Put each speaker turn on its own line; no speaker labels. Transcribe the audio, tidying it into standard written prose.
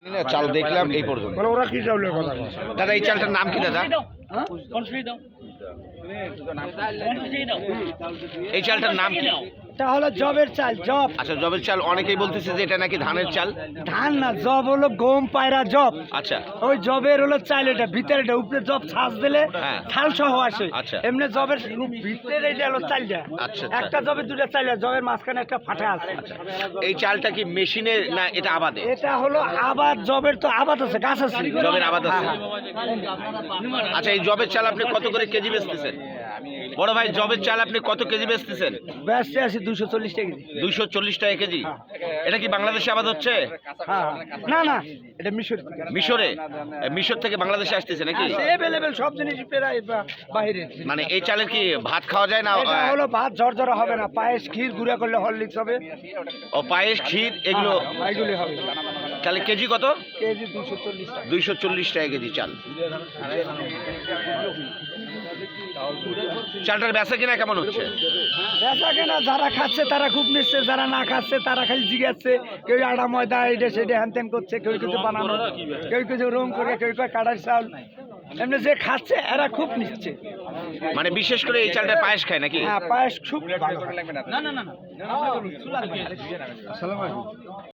চাল দেখলাম এই পর্যন্ত।
ওরা কি চাউলের কথা বলে?
দাদা এই চালটার নাম কি দাদা? এই চালটার নাম কি?
এটা হলো জবের চাল, জব।
আচ্ছা জবের চাল, অনেকেই বলতেছে যে এটা নাকি ধানের চাল।
ধান না, জব হলো গম পায়রা জব।
আচ্ছা
ওই জবের হলো চাল, এটা ভিতরে এটা উপরে জব ছাঁচ দিলে
হ্যাঁ।
ছাল সহ আসে।
আচ্ছা।
এমনি জবের ভিতরে এটা হলো চালটা।
আচ্ছা,
একটা জবে দুটা চাল, জবের মাঝখানে একটা ফাটা আছে।
এই চালটা কি মেশিনে না এটা আবাদে?
এটা হলো আবাদ, জবের তো আবাদ আছে, গাছ আছে।
জবের আবাদ আছে। আচ্ছা এই জবের চাল আপনি কত করে কেজি বেচতেছেন? বড় ভাই জবের চাল আপনি কত কেজি বেচতেছেন?
ব্যস্ত আছি 240 টাকা কেজি।
240 টাকা কেজি। এটা কি বাংলাদেশে আবাদ হচ্ছে?
হ্যাঁ, না না, এটা মিশর থেকে।
মিশরে? মিশর থেকে বাংলাদেশে আসতেছে নাকি?
অ্যাভেলেবেল সব জিনিস প্রায় বাইরে।
মানে এই চালের কি ভাত খাওয়া যায় না?
এটা হলো ভাত ঝরঝরা হবে না, পায়েস ক্ষীর গুঁড়া করলে হরলিক্স হবে।
ও পায়েস ক্ষীর এগুলো
এগুলি হবে।
তাহলে কেজি কত?
কেজি 240 টাকা।
240 টাকা কেজি চাল। চালটার বেচা কিনা কেমন হচ্ছে?
বেচা কেনা যারা খাচ্ছে তারা খুব নিচ্ছে, যারা না খাচ্ছে তারা খালি জিগাচ্ছে। কেউ আটা ময়দা এটা সেটা হ্যান ত্যান করছে, কেউ কিছু বানানো, কেউ কিছু রং করে, কেউ কাটার চাল। এমনি যে খাচ্ছে এরা খুব নিচ্ছে।
মানে বিশেষ করে এই চালটা পায়েস খায় নাকি?
হ্যাঁ, পায়েস খুব ভালো। না না না।